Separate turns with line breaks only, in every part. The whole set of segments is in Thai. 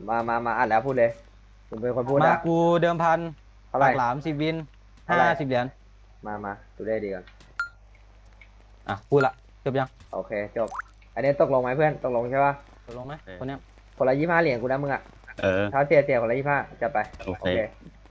มาอ่านแล้วพูดเลยผมเป็นคนพูดอ่ะ
มากูเดิมพัน
เท่าไหร่
ปากหลาม10 วิน
เท่าไหร่
50 เหรียญ
มาดูได้ดีก่อน
อ่ะพูดละจบยัง
โอเคจบอันนี้ตกลงไหมเพื่อนตกลงใช่ปะ
ตกลงไหม
เออ
คนเนี้ย
คนละ25 เหรียญกูนะมึงอ่ะ
เออ
เท้าเสียคนละ25จัดไป
โอเค
โอเค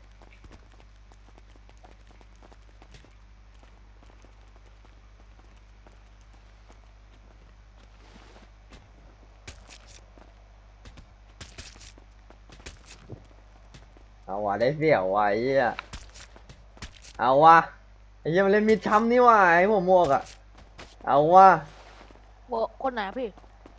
เอาว่ะได้เสี่ยวว่ะไอ้เหี้ยเอาว่ะไอ้เหี้ยมันเล่นมิดช้ำนี่ว่ะไอ้หัวหมวกอ่ะเอาว่ะ
โบคนไหนพี่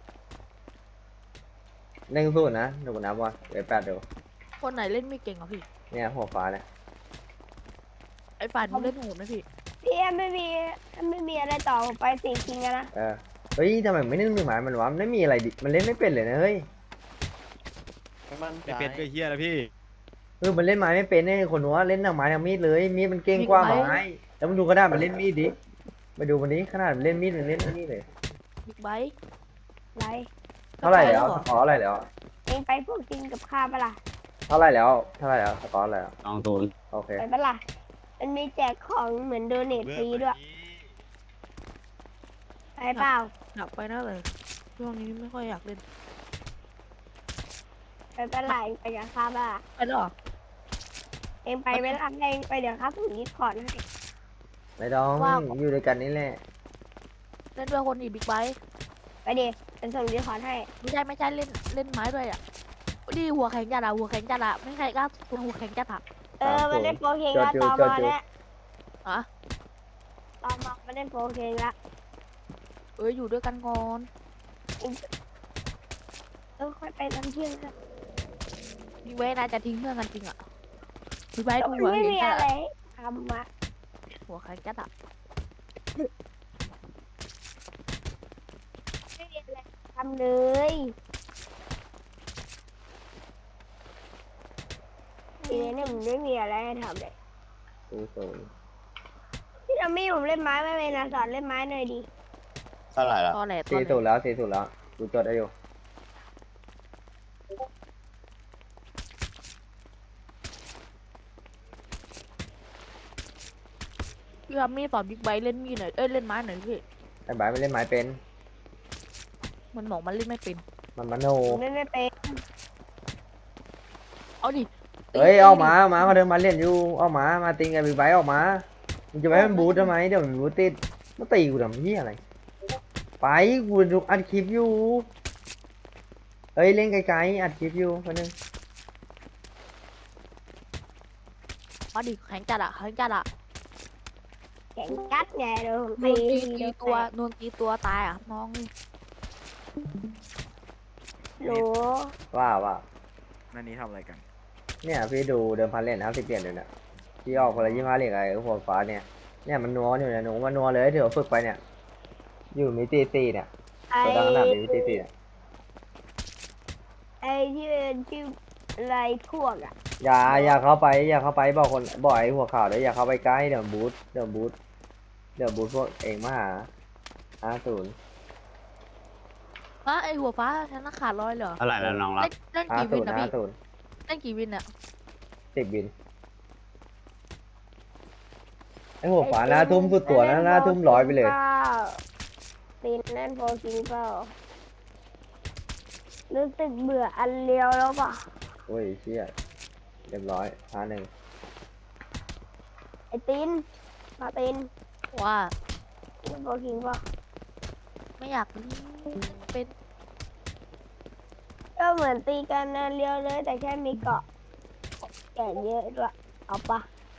1-0นะเดี๋ยวกูนับว่ะเดี๋ยว8เดี๋ยว
คนไหนเล่นไม่เก่งอ่ะพี่
เนี่ยหัวฟ้าเนี่ย
ไอ้ฝ่ายนู้นเล่นโหดไหมพี่
พี่ไม่มีอะไรต่อผมไปสี่คิงแล้วนะ
เออเฮ้ยทำไมไม่นึกหมายมันวะมันไม่มีอะไรดิมันเล่นไม่เป็นเลยนะเฮ้ย
ไม่เป็นก็เฮียแล้วพี่
มันเล่นไม้ไม่เป็นเนี่ยคนหัวเล่นทางไม้ทางมีดเลยมีดมันเก่งกว่าไม้แล้วมันดูกระดาษมันเล่นมีดดิมาดูมันนี้ขนาดมันเล่นมีดมันเล่นนี่เลย
บิ๊กไบค์
ไร
เท่าไหร่แล้ว
เหร
ส
อก
อร์อะไรแล้ว
เองไปพวกกินกับข้าวปะล่ะ
เท่าไหร่แล้วเท่าไหร่แล้วสกอร์อะไรแล้ว
20
โอเค
ไปปะล่ะมันมีแจกของเหมือนโดเนทฟรีด้วยไปเปล่า
อยากไปน่าเลยช่วงนี้ไม่ค่อยอยากเล่น
ไปปะล่ะเองไปกับข้าวปะล่ะ
ไปแล้วเหรอ
เองไปเวลาเองไปเดี๋ยวข้าส่งดิสคอร์ดให้
ไม่ต้องอยู่ด้วยกันนี่แหละ
เล่นด้วยคนอีบิ๊กไบค์
ไปดิเป็นส่งดิสคอร์ดให้
ไม่ใช่เล่นไม้ด้วยอ่ะดีหัวแข็งจัดอะหัวแข็งจัดอะไม่ใครกล้าตัวหัวแข็งจัดอะ
มันได้โปรเคง
จด
แล้ว
อยู่
ตอ
จดอยู่
มาแล้ว
อะ
ตอมาไม่ได้โปรเคงแล้ว
อยู่ด้วยกันก่อน
ค่อยไปตอนเที่ยงครับ
บิ๊กไบค์น่าจะทิ้งเพื่อนกันจริงอะบิ๊กไบค์ดู
มัน
หัว
ไม่
แข็ง
มี
จัด
อะไร
อะ
ทำอะ
หัวแข็งจัดอะ
ไม่มีอะไรทำเลยทีนี้เนี่ยมันไม่มีอะไรให้ทำเลย
0-0
พี่ทอมมี่ผมเล่นไม้ไม่เป็นนะสอนเล่นไม้หน่อยดิ
เท่าไหร่ละ
ตอแหลตอ
สี่
แหล
ศูนย์แล้ว4-0แล้วกูจดได้อยู่
พี่ทอมมี่สอนบิ๊กไบค์เล่นมีดหน่อยเล่นไม้หน่อยพี่
ไอ้บายมันเล่นไม้เป็น
มันบอกมันเล่นไม่เป็น
มันมโน
ผมเล่นไม่เป็น
เอาดิ
เฮ้ยเอามาเขาเดินมาเล่นอยู่เอามาตีกันบิ๊กไบค์ออกมามึงจะไปให้มันบูททำไมเดี๋ยวมันบูทติดมาตีกูทำเหี้ยอะไรไปกูดูอัดคลิปอยู่เฮ้ยเล่นไกลๆอัดคลิปอยู่คนนึง
มาดิแข็งจัดอะแข็งจัดอะ
แข่งกัดไงเดี๋ยวผม
นวล
ตี
ตี
เดี๋ยว
ตัวตายอะมองนี่
โหล
ว่า
นั่นนี้ทำอะไรกัน
เนี่ยพี่ดูเดิมพันเหรียญ50 เหรียญเลยเนี่ยที่ออกคนละ25 เหรียญไอ้หัวฟ้าเนี่ยมันนัวอยู่เนี่ยหนูมันนัวเลยเดี๋ยวฝึกไปเนี่ยอยู่มิติ4เนี่ย
ไอ้
ตัวดังขนาดมิติ4เนี่ย
ไอ้ชื่ออะไรพวกอ่ะ
อย่าเข้าไปบอกไอ้หัวขาวเลยอย่าเข้าไปใกล้เดี๋ยวบูทพวกเองมาหา50
ไอหัวฟ้าฉันน่ะขาดร้อยเหรอ
เท่าไหร่แล้วน้องรัก
เล่นกี่วินนะพี่
50
เล่นกี่วินอะ
10 วินไอ้หัวขวาหน้าทุ่มสุดตัวนะหน้าทุ่ม100ไปเลย
ตีนเล่นโฟกิงเปล่ารู้สึกเบื่ออันเลียวแล้วป่ะ
โอ้ยเชี่ยเรียบร้อย1
ไอ้ตีนมาตีน
ว่า
เล่นโฟกิงเปล่า
ไม่อยากเล่นเป็น
ก็เหมือนตีกันอันเลียวเลยแต่แค่มีเกาะแก่เยอะด้วยเอาปะ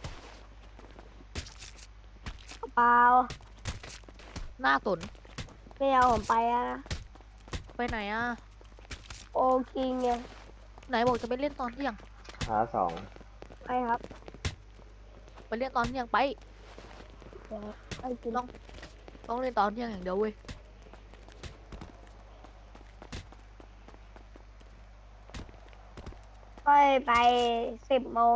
เอาเปล่า
หน้าสน
ไม่เอาผมไปอะนะ
ไปไหนอะ
โอคิงไง
ไหนบอกจะไปเล่นตอนเที่ยง
2
ไปครับ
ไปเล่นตอนเที่ยงไป
ไปกิน
ต้องเล่นตอนเที่ยงอย่างเดียวเว้ย
ค่อยไป10 โมง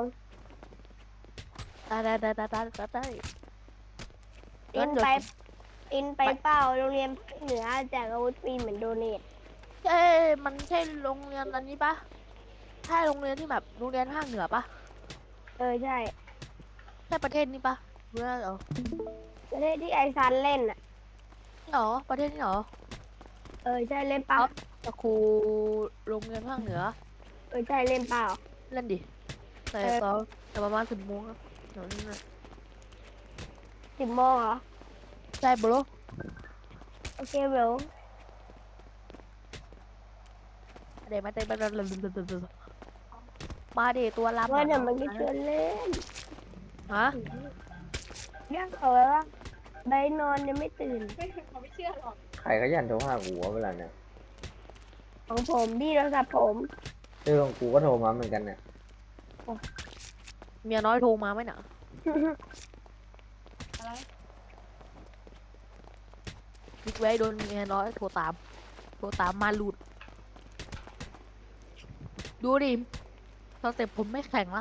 ได้
อินไปอินไปเป้าโรงเรียนภาคเหนือแจกอาวุธฟรีเหมือนโดเนท
มันใช่โรงเรียนอันนี้ปะใช่โรงเรียนที่แบบโรงเรียนภาคเหนือปะ
เออใช่
ใช่ประเทศนี้ปะหรือว่าเหรอ
ประเทศที่ไอซันเล่นอ่ะ
นี่เหรอประเทศนี้เหรอ
เออใช่เล่นเปล่า
เอาแต่ครูโรงเรียนภาคเหนือ
เออใช่เล่นเปล่า
เล่นดิแต่
เออ
ตอนแต่ประมาณ10 โมงอะเดี๋ยวนี้นะ
10 โมงเหรอ
ใช่บรอ
โอเคเบล
เดี๋ยวมาเต้นมาดิตัวลำ
ว่า
อะ
เดี๋ยวมันก็ชวนเล่น
ฮะ
ยังเอาไว้ว่าใบนอนยังไม่ตื่น
ใครก็ยันโทรหากูวะเวลาเนี่ย
ของผมพี่โทรศัพท์ผม
ของกูก็โทรมาเหมือนกันเนี่ย
เมียน้อยโทรมาไหมน่ะบิ๊กไว้โดนเมียน้อยโทรตามมาหลุด ดูดิสเต็ปผมไม่แข็งละ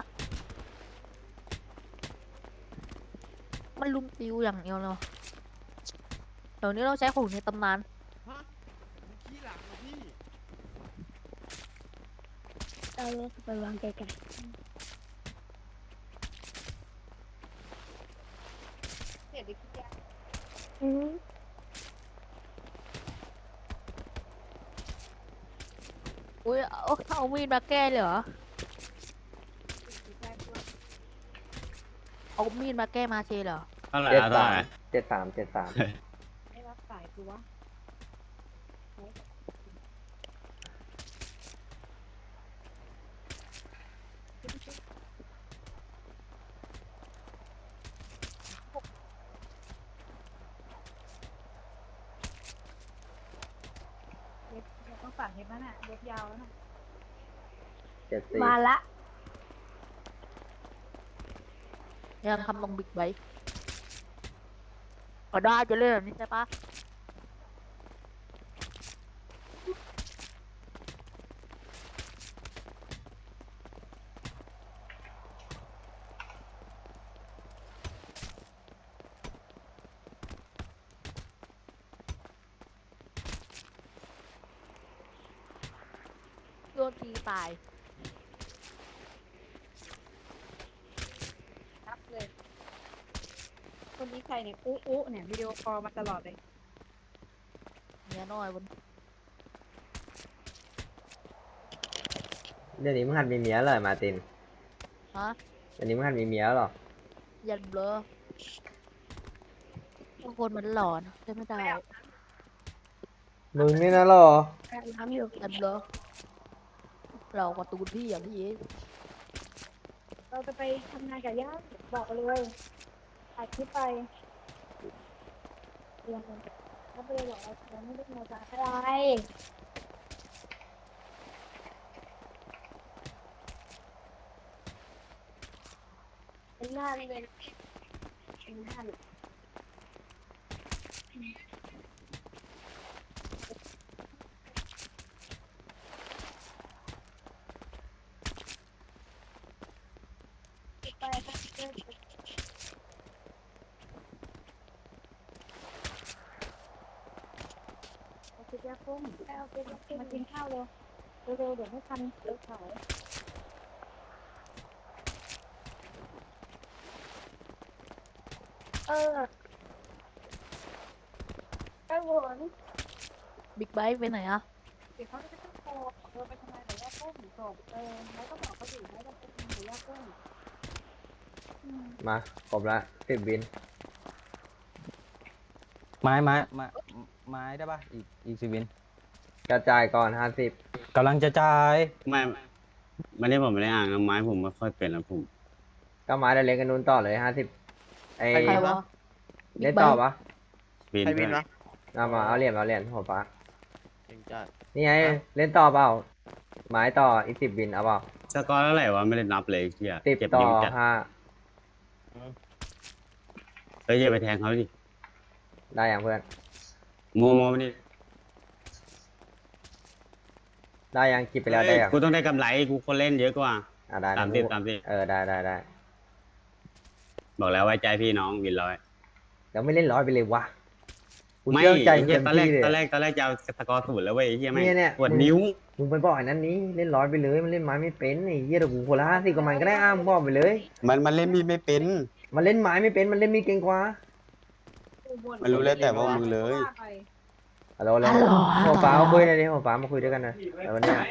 มันลุมติวอย่างเดียวเนาะเดี๋ยวนี้เราใช้ของในตำนาน
ฮะขี้หลังเหรอพี่
เอารถไปวางไกลๆอืม
อุ้ยเอามีดมาแก้เลยเหรอ เอามีดมาแก้มาเชเหรอ
เท่าไหร่
เจ็ด
ละเท่า
สา
ไห
ม
ร่
73
ไม่รับสายกูวะ
ต้องฝากเห็บนั่นน่ะเล็บยาวแล้วน่ะ
74
มาละ
ยังทำลงบิ๊กไบค์ก็ได้จะเล่นแบบนี้ใช่ปะโดนตีตาย
รับเลย คนนี้ใครเนี่ยอุ๊เนี่ยวิดีโอคอลมาตลอดเลย
เมียน้อยบน
เดี๋ยวนี้มึงหัดมีเมียเลยมาร์ติน
ฮะ
เดี๋ยวนี้มึงหัดมีเมียแล้วเหรอ
ยันเบลอบางคนมันหลอนใช่ไม่ได้
มึงนี่นะเหรอ
น้ำอยู่
ยันเบลอเราการะตูนพี่อย่างพี่
เราจะไปทำงานกับย่าบอกเลยอัดคลิปไปเรียนกันถ้าไปเลยบอกเราไม่ได้มาจาก
อะไรเป็นหน้าเป็นหน้าไป
เอาคลิปยาคุ้มเอาคลิปยาคุ้มมากินข้าวเร็วเร็วๆเดี๋ยวไม่ทันเดี๋ยวเขา
เออไอ้หวน
บิ๊กไบค์ไปไหนอะ
เดี๋ยวเขาจะต้องโทรไปทำงานกับย่าคุ้มจบแล้วก็บอกเขาอยู่แล้วจะไปทำงานกับย่าคุ้ม
มาครบละ10 วิน
ไม้ได้ปะอีก10 วิน
กระจายก่อน
กำลังจะจ่าย
ไม่ได้ผมไม่ได้อ่านนะไม้ผมไม่ค่อยเป็นแล้วผม
50ก็มาเดี๋ยวเล่นกันนู้นต่อเลย 50ไอ้
ใครวะ
เล่นต่อปะ
วิน
ใครวิน
เพื่อน
วะ
เอามาเอาเหรียญหัวฟ้า
เก่งจัด
นี่ไงเล่นต่อเปล่า ไม้ต่ออีก10 วินเอาเปล่า
สกอร์เท่าไหร่วะไม่ได้นับเลยเฮีย
10
เก็บ
ต่อ
นิ้วจัด
5
เฮ้ยอย่าไปแทงเขาดิ
ได้อย่างเพื่อน
โมมานี่
ได้ยังคิดไปแล้วได้ยัง
กูต้องได้กำไรกูคนเล่นเยอะกว่า
ได้
ตามที่
ได้
บอกแล้วไว้ใจพี่น้องวินร้อย
เดี๋ยวไม่เล่นร้อยไปเลยวะกู
ไม่
เชื่อใจ
ไอ้
มึง
เหี้ย
เต็ม
ตอนแรก
ที่เลย
ตอนแร
อะ
กตอนแรกจะเอาสกอร์ศูนย์แล้วเว้ยไอ้เหี้ยแม่ง
เนี่ย
ปวดนิ้ว
มึงไปบอกไอ้นั้นนี้เล่นร้อยไปเลยมันเล่นไม้ไม่เป็นไอ้เหี้ยเดี๋ยวกูคนละ50กับมันก็ได้มึงบอกไปเลย
มันเล่นมีดไม่เป็น
มันเล่นไม้ไม่เป็นมันเล่นมีดเก่งกว่า
มันรู้แล้วแต่ว่ามึงเลย
ฮัลโหลแล้วหัวฟ้ามาคุยหน่อยดิหัวฟ้ามาคุยด้วยกันหน่อยแต่วันเนี้ย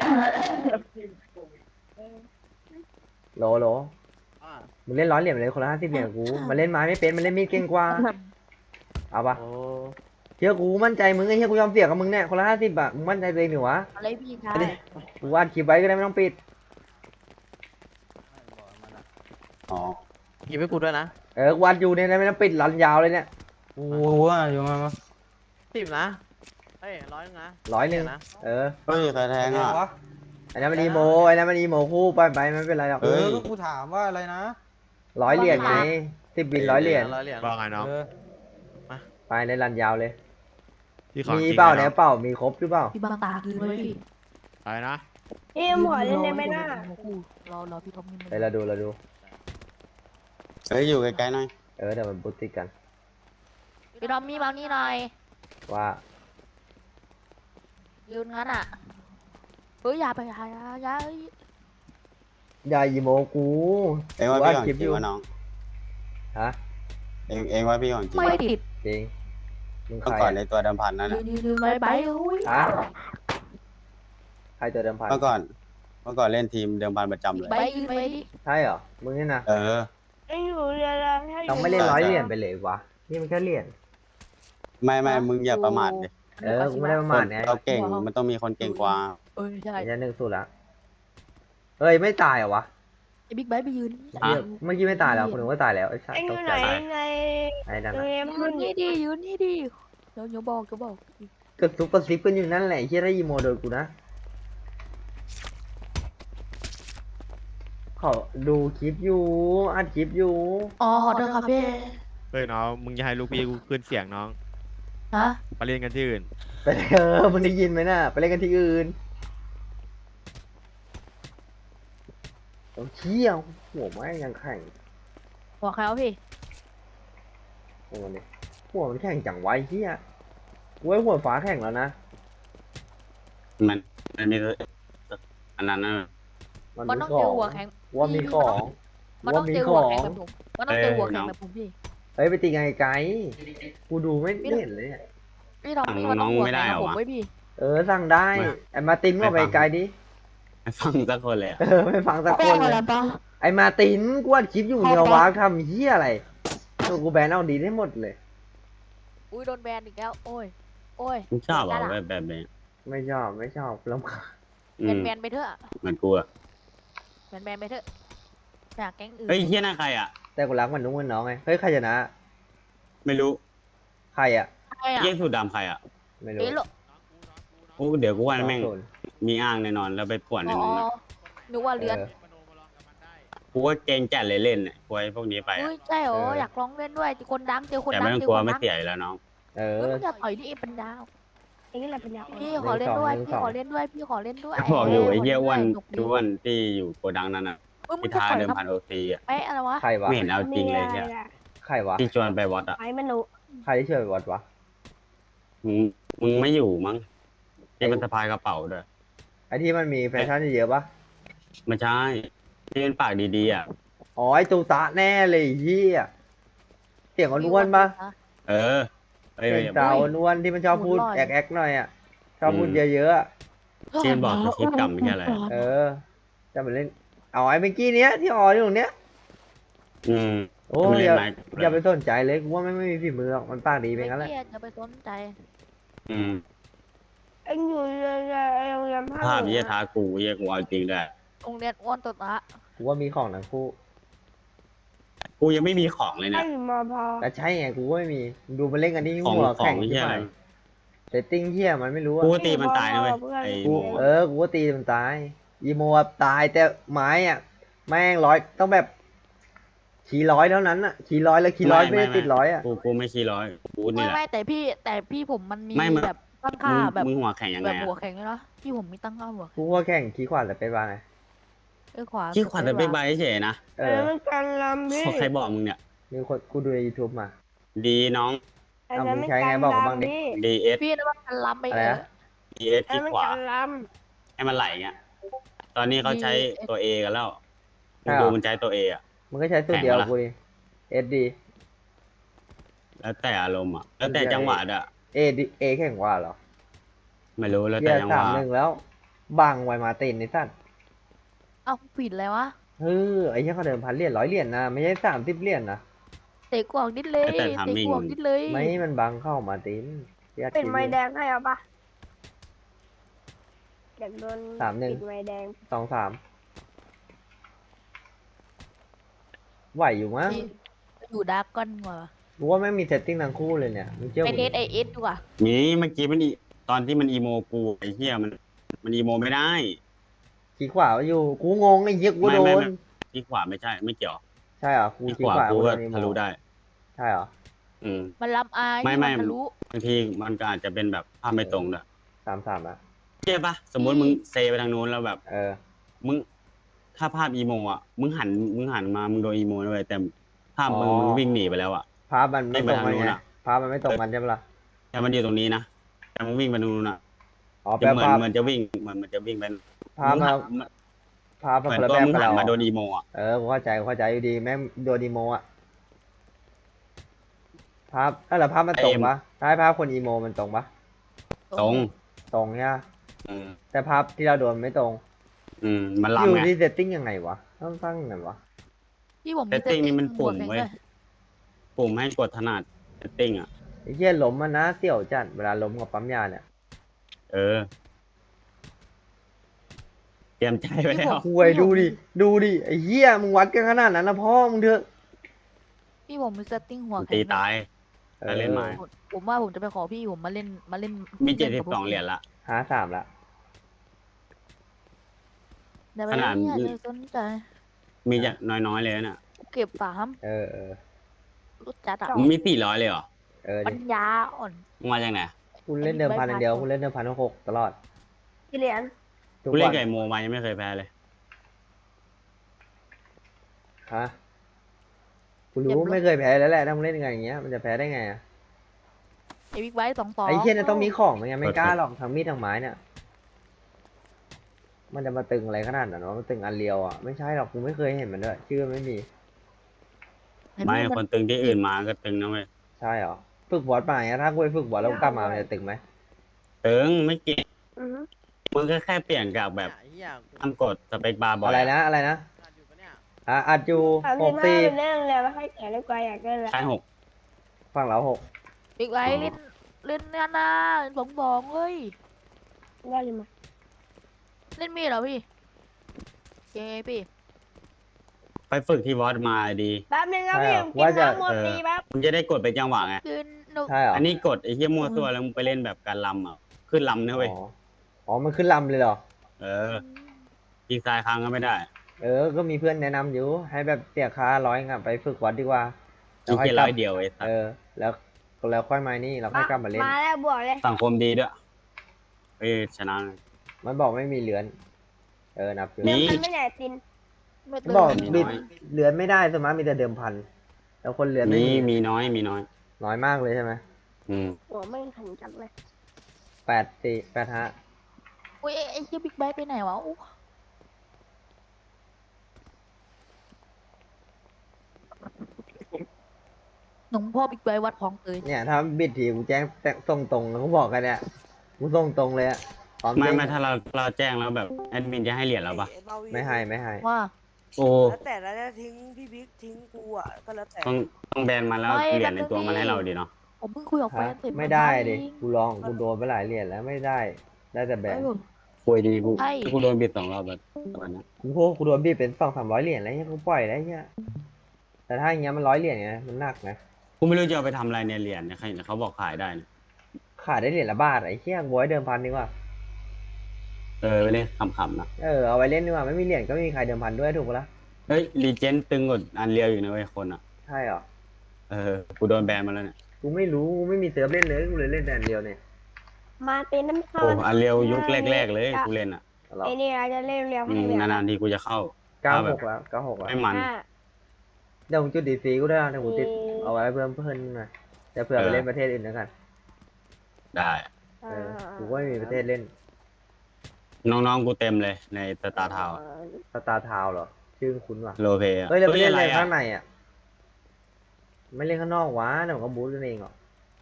โหลมึงเล่นร้อยเหรียญไปเลยคนละ50เหรียญกับกูมันเล่นไม้ไม่เป็นมันเล่นมีดเก่งกว่าเอาปะเชื่อกูมั่นใจมึงไอ้เหี้ยกูยอมเสียกับมึงเนี่ยคนละ50อะมึงมั่นใจตัวเองหนิวะ
อะไรพี่ชาย
กูวาดคลิปไว้ก็ได้ไม่ต้องปิด
อ๋อ
กินให้กูด้วยนะ
กูวาดอยู่เนี่ยนะไม่ต้องปิดรันยาวเลยเนี่ย
กูว่าอยู่มา
10 นะเฮ้ย100 นะ
100นะเออ
เฮ้ยใครแทงอ่ะ
วะ
ไอ้นั่นมันอีโมไอ้นั่นมันอีโมคู่ไปไม่เป็นไรหรอก
เฮ้ย
ก็กูถามว่าอะไรนะ
100 เหรียญไง10 บิน100 เหรียญ
100 เหรียญ
ว่าไงน้อง
เออ
ไปในรันยาวเลย
พี่ของ
มี
จริง
เปล่า
ไหม
เนี่ย
น้อง
เปล่ามีครบหรือเปล่า
พี่บางตาคืนไว้พี่
อะไรนะ
พี่หมอเล่นได้ไหมน่ะ
รอพี่ท็อปนี่
เดี๋ยวเราดู
เฮ้ยอยู่ไกลๆหน่อย
เดี๋ยวมันบุติกัน
พี่ท็อปมีบางนี่หน่อย
ว่า
ยืนงั้นอ่ะเฮ้ยอย่าไปอย่า
อย่าอีโมกู
เองว่าพี่ของจริงวะน้อง
ฮะ
เองว่าพี่ของจริง
ไม่ติด
จริงมึง
เมื่
ใค
อ
ร
ก่อนในตัวเดิมพันนั่น
ยื
น่ะ
นไปอุ้ย
ฮะใครตัวเดิมพัน
เมื่อก่อนเล่นทีมเดิมพันประจำเลย
ไปยืนไปดิ
ใช่เหรอมึงนี่นะ
เออ
ไอ้อยู่เรือแล้วถ้าอ
ต้อง
ยู่
ไม่เล่น100 เหรียญไปเลยวะนี่มันแค่เหรียญ
ไม่มึงอย่าประมาทดิ
กูไม่ได้ประ
ค
มาท
น
ไง
เราเก่งมันต้องมีคนเก่งกว่า
เออใช่
ไอ้ยัน1-0ละเฮ้ยไม่ตายเหรอวะ
ไอ้บิ๊กไบค์ไปยืน
เหี้ยเมื่อกี้ไม่ตายแล้วคนนึงว่าตายแล้วไอ้สัต
ไอ้
ว์
อ
ต
ยู่
ก
ไห
ใจ
นใน
ไอ้นั่น
โร
น่ะ
งเรียน
ยื
มัน
นนี่ดิยืนนี่ดิเดี๋ยวบอก
กระซุบกระซิบกันอยู่นั่นแหละไอ้เฮียได้อีโมโดนกูนะขอดูคลิปอยู่อัดคลิปอยู่
อ๋อขอโทษครับพี่
เฮ้ยน้องมึงจะให้ลูกพี่กูขึ้นเสียงน้อง
ฮะ
ไปเล่นกันที่อื่น
ไปมึงได้ยินไหมน่ะไปเล่นกันที่อื่นเอาเชี่ยหัวไม้ยังแข็ง
หัวใครวะพี่
หัวเนี่ยหัวมันแข็งจังไวะไอ้เฮียเว้ยหัวฟ้าแข็งแล้วนะ
มันมีอันนั้นน่ะ
มันต้องเจอหัวแข็ง
ว่ามีของ
มัน
ว่า
ต้อง
มี
เจอ
ข
หัว
อ
แข็ง
ง
แบบผมมันต้องเจอหัวแข็งแบบผมพี่
เฮ้ยไปตีไงไกลกูดูไม่เห็นเลยเนี่ย
พี่ทอมพี่มันต้องหัวแข็งแบบผมไว้พี่
สั่งได้ไอ้มาร์ตินก็ไปไกลดิ
ไม่ฟังสักคนเลยอะ
ไม่ฟังสักคนเลยไอ้มาร์ตินกูอัดคลิปอยู่เนี่ยวากทำเฮียอะไรตัวกูแบนเอาดีได้หมดเลย
อุ้ยโดนแบนอีกแล้วโอ้ย
มึงชอบเหรอแบบนี้
ไม่ชอบลำคาญ
อืม
แบนไปเถอะ
เหมือนกูอะ
แบนไปเถอะอยากแก๊งอื่น
เฮ้ยเฮียหน้าใครอ่ะ
แต่กูรักมันนุ่งมันน้องไงเฮ้ยใครชนะ
ไม่รู้
ใครอ่ะ
ใครอ่ะ
เฮียสูดดำใครอ่ะ
ไม่รู้
เอ๊ะโล
โอ้เดี๋ยวกูว่าแม่ง
โดน
มีอ้างแน่นอนแล้วไปป่วนใน
อ๋อ
นู้นนะ
นึกว่าเลือน
กูว่าเกรงจัดเลยเล่นเนี่ยกลัวไอ้พวกนี้ไป
อุ้
อะ
ยใช่เหรออยากลองเล่นด้วยคนดังเจอคน
แต่
ดั
ไม่
ง
ต้อง
เจอก
ลัว
คน
ไม่
ดัง
เสียอยู่แล้วน้อง
เออ
มึงจะต่อยนี่เป็นดาว
ไอ้นี่แหละเป็นยา
พี่ขอเล่นด้วย
หนึ่ง
พี่
สอง
ขอเล่นด้วยพี่ขอเล่นด้วย
ก็บอกอยู่ไอ้เฮียอ้วน
หกดี
อ้วนที่อยู่โกดังนั้นอ่ะ
มึง
พิ
จะ
ธา
ต่อย
เดิม
ครับ
พันโอซีอ่ะ
เป๊ะอะไรวะ
ใครวะ
ไม่เห็นเอาจริงเลย
มี
เฮีย
อะไรอะ
ใครวะ
ที่ชวนไปวัดอ่ะ
ไอ้มนุษย์
ใครที่ช่วยวัดวะ
มึงไม่อยู่มั้งที่มันสะพายกระเป๋าด้วย
ไอ้ที่มันมีแฟชั่นเยอะๆปะ
ไม่ใช่ที่เป็นปากดีๆอ่ะ
อ๋อไอ้ตูตะแน่เลยไอ้เฮียเสียงอ้วนๆปะ
เออเอ้ย
เสียงสาวอ้วนๆที่มันชอบพูดแอกๆหน่อยอ่ะชอบพูดเยอะๆอะ
ที่มันบอกสคริปต์กรรมไม่ใช่อะไร
เออจะมาเล่นเอาไอ้เมื่อกี้เนี้ยที่อออยู่ตรงเนี้ย
อืม
โอ้
มัน
ย
เล่
อน ย่า
ไม้
อย่าไปสนใจเลยกูว่าไม่มีฝีมือหรอกมันปากดีไป
ไม่
งั้นแหละ
เครียดจะไปสนใจ
อืม
ไอ้อยู่เรือโรงเรียนภาค
ภาพ
เหนื
เยี่ย
อ
ท้ากูเยี่ยกูเอาจริงด้วย
โรงเรียนอ้วนตัวละ
กูว่ามีของทั้งคู่
กูยังไม่มีของเลย
ถ้า
เนี่ย
อยู่มพ
แต่ใช่ไงกูก็ไม่มีมึงดูมันเล่นกันที่
ของ
หัว
ขอ
แข่
ง
ง
เยี่
ที่
ย
ไห
อะ
น
ไร
เซตติ้งเฮียมันไม่รู้อะ
กูตีมันตายนะเว้ยไอ้โม
กูก็ตีมันตายอีโมอะตายแต่ไม้อ่ะแม่งต้องแบบขี่ร้อยเท่านั้นอ่ะขี่ร้อยแล้วขี่ร้อยไม่ได้ติดร้อยอ่ะ
กูไม่ขี้ร้อยกู
ไม่
นี่แหละ
ไม่แต่พี่ผมมันมี
ไม่มึง
แบบตั้งค่าแบบ
มึงหัวแข็งยัง
แบ
ไง
บ
อะ
หัวแข็งเลยนะพี่ผมมีตั้งค่าหัว
กูก็แข่งขี่ขวาแต่ไปบ้างไง
ขวา
ขี้ขวัญแต่เป็นใบเฉยนะ
เอ
เออ
อ
มันการลำพี่
ใครบอกมึงเนี่ย
มีคนกูดูใน YouTube มา
ดีน้อง
อัน
อ่ะ
นั้น
มึ
มั
ง
น
ใช้ไง
การ
บอกกูบ้าง
ดำ
ดิ
พี่
DS
พี่นะว่ามันล้ำไป
อะไรนะ
DS
อัน
ที่
นั้นมัน
ขวา
การด
ให้มันไหลเงี้ยตอนนี้เขาใช้ตัว A กันแล้ว
ใช่
มึง
เหรอ
ดูมันใช้ตัว A อ่ะ
มึงก็ใช้สูตรเดียว
แข่งปะล่ะ
กูดิเอสดี
แล้วแต่อารมณ์อ่ะแล้วแต่จังหวะอ่ะ
เอดีเอแข่งกว่าเหรอ
ไม่รู้แล้ว
เฮี
แต่
ย
จังห
สาม
วะ
หนึ่งแล้ว บังไวมาตินในสั้น
เอ้าผิดเลยวะ
เฮ้ยไอ้เหี้ยเขาเดิมพันเหรียญ100 เหรียญนะไม่ใช่30 เหรียญนะ
เตะกวางนิดเลย
แต่
เตะ
timing
กวางนิดเลย
ไม่ให้มันบังเข้ามาตินเฮีย
ำปิด
คิด
ไม้
ดู
แดงให้เอาปะอยากโดน
3-1
ปิดไม้แดง
2-3ไหวอยู่มั้ง
พี่อยู่ดาร์กก้อนกว่า
กูว่าไม่งมีเซตติ้งทั้งคู่เลยเนี่ยมึงเชื่อ
ไป
ผม
เท
ดิ
สไอเอสดีกว่า
นี้เมื่อกี้มันตอนที่มันอีโมกูไอ้เหี้ยมันอีโมไม่ได้
ขี้ขวาอยู่กูงงไอ้เหี้ยกูโด
ไม่
น
ที่ขวาไม่ใช่ไม่เกี่ยว
ใช่เหรอกู
ที่
ขี้
ขวา
ขวา
กู
กู
ก็
โดนอีโม
ทะลุได้
ใช่เหรอ
อืม
มันล้ำอาย
ไม่
มันทะลุ
บางทีมันก็อาจจะเป็นแบบภาพไม่ตรงด้วย
3-3อะ
เจ๊ปะสมมติมึงเซไปทางนู้นแล้วแบบ
เออ
มึงถ้าภาพอีโมอ่ะมึงหันมามึงโดนอีโมเลยแต่ภาพมึง
อ๋อ
มึงวิ่งหนีไปแล้วอ่ะ
ภาพมันไม่ตรงกัน
ไม่ไปทางนู้
ไง
นอะ
ภาพมันไม่ตรงกันใช่ปะล่ะ
แต่มันอยู่ตรงนี้นะแต่มึงวิ่งไปทางนู้นอ่ะ
อ๋อแป
จะ
ล
เหมือน
ภาพ
มันจะวิ่งมันจะวิ่งไป
ภาพ
มึง
มา
หัน
ภาพ
เห
มัน
มือน
คนละ
ตัว
แบบ
มึง
กับ
หัน
เรา
มาโดนอีโมอ่ะ
กูเข้าใจอยู่ดีแม่งโดนอีโมอะภาพแล้วภาพมันตรงปะถ้าให้ภาพคนอีโมมันตรงปะ
ตรง
ตรงใช่ปะ
อืม
แต่ภาพที่เราโดนไม่ตรง
มัน
อ
ล้ำ
ยู่
ไง
ที่เซตติ้งยังไงวะต้องตั้งยังไงวะ
พี่ผม
เซตติ้งนี่มันปุ่ม
หั
เว้ย
แข็งด้วย
ปุ่มให้กดถนัดเซตติ้งอ่ะ
ไอ้เหี้ยล้มมันนะเสี่ยวจัดเวลาล้มกับปั๊มยาเนี่ย
เออ เตรียมใจไว้แล้ว
คุยดูดิไอ้เหี้ยมึงวัดกันขนาดนั้นนะพ่อมึงเถอะ
พี่ผมมีเซตติ้งหัวแข็ง
ตี
ด้วย
ตาย ถ้าเล่นไม้
ผมว่าผมจะไปขอพี่ผมมาเล่น
มี
ล่น
72
กับพวก
เหรียญละ
53ละ
เดี๋ยวไป
ขนาด
เนี่ยจะสนใจ
มีจะน้อยๆเลยน่ะ
เก็บ3
เออ
รถจัดอ่ะ
มึงมี400เลยเหรอ
ปั
ดิ
ญญาอ่อน
มึงมาจากไหน
คุณเล่นเดิมพันอย่างเดียวคุณเล่นเดิมพัน6ตลอด
กี่เหรียญ
ทุก
กูเล่
วัน น
ไก่โมมายังไม่เคยแพ้เลย
ฮะกูรู้ไม่เคยแพ้แล้วแหละถ้ามึงเล่นกันอย่างเงี้ยมันจะแพ้ได้ไงอะ
ไอ้บิ๊กไบค์2
ไอ้เหี้ยเนี่ยต้องมีของมันยังไม่กล้าหรอกทั้งมีดทั้งไม้เนี่ยมันจะมาตึงอะไรขนาดนั้นวะมันตึงอันเรียวอ่ะไม่ใช่หรอกกูไม่เคยเห็นมันด้วยชื่อไม่มี
ไม่คนตึงที่อื่นมาก็ตึงนะเว้ย
ใช่เหรอฝึกบอสมาอย่างเงี้ยถ้ากูไปฝึกบอสแล้วกูกลับมามันจะตึงไหม
ตึงไม่เก่ง
อือฮึ
มึงก็แค่เปลี่ยนกับแบบ
ไอ้เหี้ยกู
ทำกดสเปคบาร์บ่อย
อะไรนะ
อ่านอยู่ปะเนี่ย
อัดอยู่
35เป็นเรื่องแล้วให้แก่ดีกว่าอยากได้ละ
ใช่6
ฝั่งเรา6
บิ๊กไบค์เล่นเนี่ยนะบอกเฮ้ย
ได้เลยมั้ย
เล่นมีดเหรอพี่เย้พี่
ไปฝึกที่วอสมาดี
แป๊บนึงครับพี่ผมกินน้ำหมดตีแป๊บ
มึงจะได้กดเป็นจังหวะไง
คือหนู
ใช่เหรอ
อันนี้กดไอ้เหี้ยมั่วตัวแล้วมึงไปเล่นแบบการลำอ่ะ ขึ้นลำนะเว้ย
อ๋อมันขึ้นลำเลยเหรอ
เออยิงซ้ายค้างก็ไม่ได้
ก็มีเพื่อนแนะนำอยู่ให้แบบเสียค่า100งับไปฝึกวัดดีกว่า
ยิงแค่
กลั
100 เดียวไอ้สัส
แล้วค่อยมานี่เราค่อยกลับมาเล่น
มาแล้วบวกเลย
สังคมดีด้วยเอ้ยชนะเลย
มันบอกไม่มีเหลือนนับอยู่
มี
มันไม่ไหนติน
ไม่
มัน
ตื่น
บอก
มี
บิด
น้อย
เหลือนไม่ได้สวนมากมีแต่เดิมพันแล้วคนเหลือนไม่
มี
มี
มีน้อย
น้อยมากเลยใช่ไหม
อืม
หัวไม่ขันจังเลย
8-4 8-5
อุ้ยไอ้เหี้ยบิ๊กไบค์ไปไหนวะอู้หนุ่มพ่อบิ๊กไบค์วัดคลองเตย
เนี่ยถ้าบิดทีกูแจ้งส่งตรงแล้วกูบอกกันเนี่ยกูส่งตรงเลยอะพร้อม
ไม่
เด้ง
ไม่ถ้าเราแจ้งแล้วแบบแอดมินจะให้เหรียญเราปะ
ไม่ให้
ว่า
โอ้
แล้วแต่แล้วจะทิ้งพี่บิ๊กทิ้งกูอ่ะก็แล้วแต่
ต้องแบนมันแล้วเหรียญในตัวมันให้เราดีเนาะ
ผมเพิ่งคุยกับแฟ
ฮะ
นเสร็จ
ไม่ได้ดิ
เมื่อ
กูลองกูโดนไปหลายเหรียญแล้วไม่ได้แต่แบ
เช้าน เอง
คุยดีกู
ใช่
กูโดนบิด2 รอบแบบวันนั้น
กูโดนบีบเป็น200-300เหรียญแล้วเนี่ยกูปล่อยแล้วเนี่ยแต่ถ้าอย่างเงี้ยมัน100 เหรียญไงมันหนักนะ
กูไม่รู้จะเอาไปทำอะไรเนี่ยเหรียญเนี่ยใครเขาบอกขายได้นะ
ขายได้เหรียญละบาทไอ้เหี้ยบอยเดิมพันดีกว่า
ไปเล่นขำๆนะ
เอาไว้เล่นดีกว่าไม่มีเหรียญก็ไม่มีใครเดิมพันด้วยถูกปะล่ะ
เฮ้ยรีเจนตึงกว่าอันเรียวอยู่นะเว้ยคนอ่ะ
ใช่เหรอ
กูโดนแบนมาแล้วเนี่ย
กูไม่รู้กูไม่มีเซิร์ฟเล่นเลยกูเลยเล่นแต่อันเดียวเนี่ย
มาตินน้ำข้า
โอ้อันเรียวยุคแรกๆเลยกูเล่นอ่ะ
หรอ
ไอ้นี่เราจะเล่นเร็วให้เร็วน
านๆทีกูจะเข้า
96แล้ว96แล้ว
ไม่มัน
ห้า
เดี๋ยวผมจุดดีซีกูได้นะเดี๋ยวผมติดเอาไว้เพิ่มหน่อยจะเผื่อไปเล่นประเทศอื่นแล้วกัน
ได้
เออกูก็ไม่มีประเทศเล่น
น้องๆกูเต็มเลยในสตาร์ทาว
สตาร์ทาวเหรอ ชื่อคุ้นว่ะ
โลเพย์
เฮ้ยเราไม่เล่น
อะไร
เล่น
อ่ะ
ข้างในอ่ะ ไม่เล่นข้างนอกวะเดี๋ยวมันก็บูทกันเองหรอก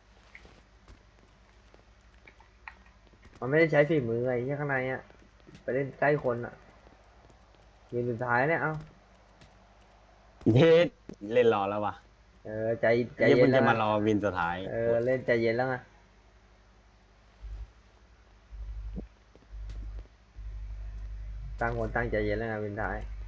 มันไม่ได้ใช้ฝีมือไอ้ที่ข้างในอ่ะ ไปเล่นใกล้คนอ่ะยืนสุดท้ายเนี่ยเอ้า
เย็ดเล่นรอแล้ววะ
เออใจ
ไอ้
เย็
เพิ่
น
ง
แล้
จะ
ว
มา
นะ
รอวินสุดท้าย
เออเล่นใจเย็นแล้วไงตั้งคนตั้งใจเย็นแล้วไงวินท้าย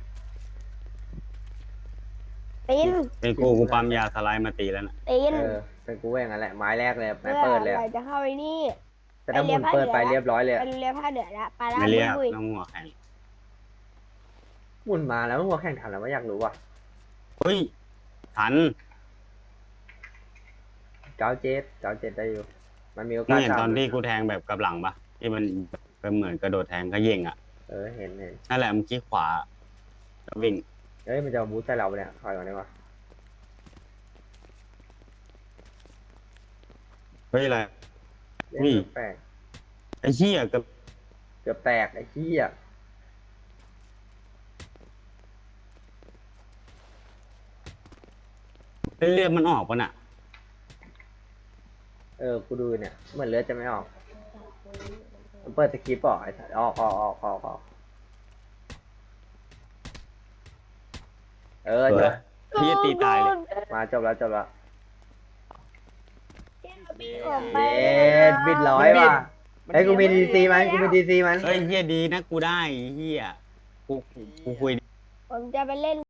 ตีน
เป็นกูปั๊มยาสไลด์มาตีแล้วนะ
ตีน
เออเป็นกูแหว่งกันแหละไม้แรกเลยไม้
เพื่อ
เปิดเลย
ไห
อะ
จะเข้าไอ้นี่
แต่ถ้าหมุนเปิดไปเรียบร้อยเลย
ไป
อะ
เรียผ้าเดือดละไปละ
ไม่เรียก
บุย
น้องหัวแข็ง
หมุนมาแล้วหัวแข่งทันแล้วว่าอยากรู้ว่ะ
เฮ้ยทัน
เก้าเจ็ดได้อยู่ มันมีโอ
มึ
กาง ส
เห็นตอน
ยู่
ที่กูแทงแบบกับหลังปะที่มันก็เหมือนกระโดดแทงก็เย่งอ่ะ
เออเห็น
นั่นแหละมึงคลิกขวาแล้ววิ่ง
เอ้ยมันจะมาบูทใส่เราปะเนี่ยถอยก่อนดีกว่า
เฮ้ยอะไร
เล่น
อุ้ย
แปลก
ไอ้เหี้ยกับ
เกือบแตกไอ้เหี้ย
เลือดมันออกปะน่ะ
เออกูดูเนี่ยเหมือนเลือดจะไม่ออกมันเปิดสคริปต์ออกไอ้สัสออกเออจบ
พี่ตีตายเลย
มาจบแล้ว
ออกไป
เย็ดบิดร้อยว่ะเฮ้ยกูมีดีซีมัน
เฮ้ยเหี้ยดีนะกูได้เหี้ยกูคุย
ผมจะไปเล่น